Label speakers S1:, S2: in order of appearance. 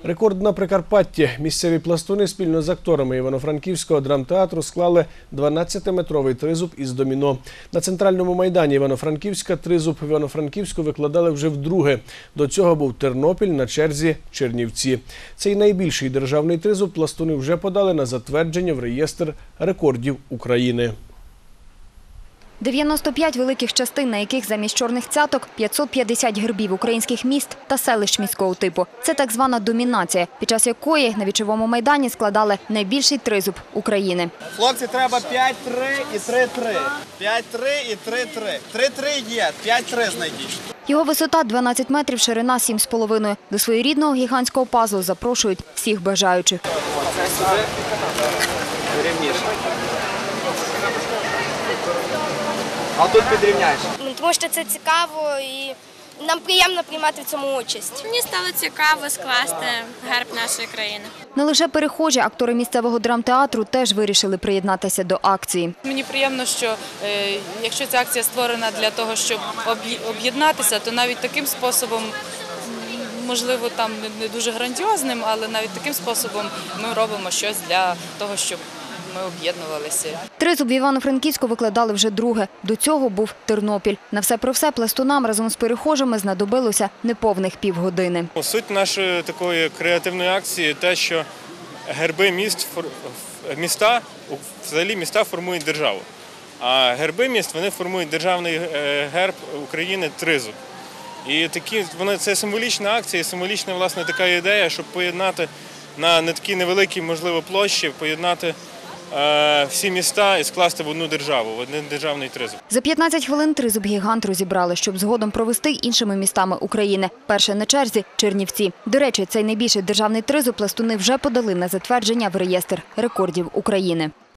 S1: Рекорд на Прикарпатті. Місцеві пластуни спільно з акторами Івано-Франківського драмтеатру склали 12-метровий тризуб із доміно. На центральному майдані Івано-Франківська тризуб в Івано-Франківську викладали вже вдруге. До цього був Тернопіль, на черзі Чернівці. Цей найбільший державний тризуб пластуни вже подали на затвердження в реєстр рекордів України.
S2: 95 великих частин, на яких замість чорних цяток 550 гербів українських міст та селищ міського типу. Це так звана домінація, під час якої на Вічовому майдані складали найбільший тризуб України.
S3: Хлопці, треба 5-3 і 3-3. 5-3 і 3-3. 3-3 є, 5-3 знайдіть.
S2: Його висота 12 метрів, ширина 7,5. До своєрідного гігантського пазлу запрошують всіх бажаючих.
S3: Це сюди рівніше. А тут підрівняєш.
S4: Тому що це цікаво і нам приємно приймати в цьому участь.
S5: Мені стало цікаво скласти герб нашої країни.
S2: Не лише перехожі, актори місцевого драмтеатру теж вирішили приєднатися до акції.
S6: Мені приємно, що якщо ця акція створена для того, щоб об'єднатися, то навіть таким способом, можливо, там не дуже грандіозним, але навіть таким способом ми робимо щось для того, щоб ми об'єднувалися.
S2: Тризуб в Івано-Франківську викладали вже друге. До цього був Тернопіль. На все про все пластунам разом з перехожими знадобилося неповних півгодини.
S7: Суть нашої такої креативної акції – те, що герби міста формують державу. А герби міст вони формують державний герб України – тризуб. І це символічна акція, символічна власне така ідея, щоб поєднати на не такій невеликій, можливо, площі, поєднати всі міста і скласти в одну державу, в один державний тризуб.
S2: За 15 хвилин тризуб гігант розібрали, щоб згодом провести іншими містами України. Перше на черзі – Чернівці. До речі, цей найбільший державний тризуб пластуни вже подали на затвердження в реєстр рекордів України.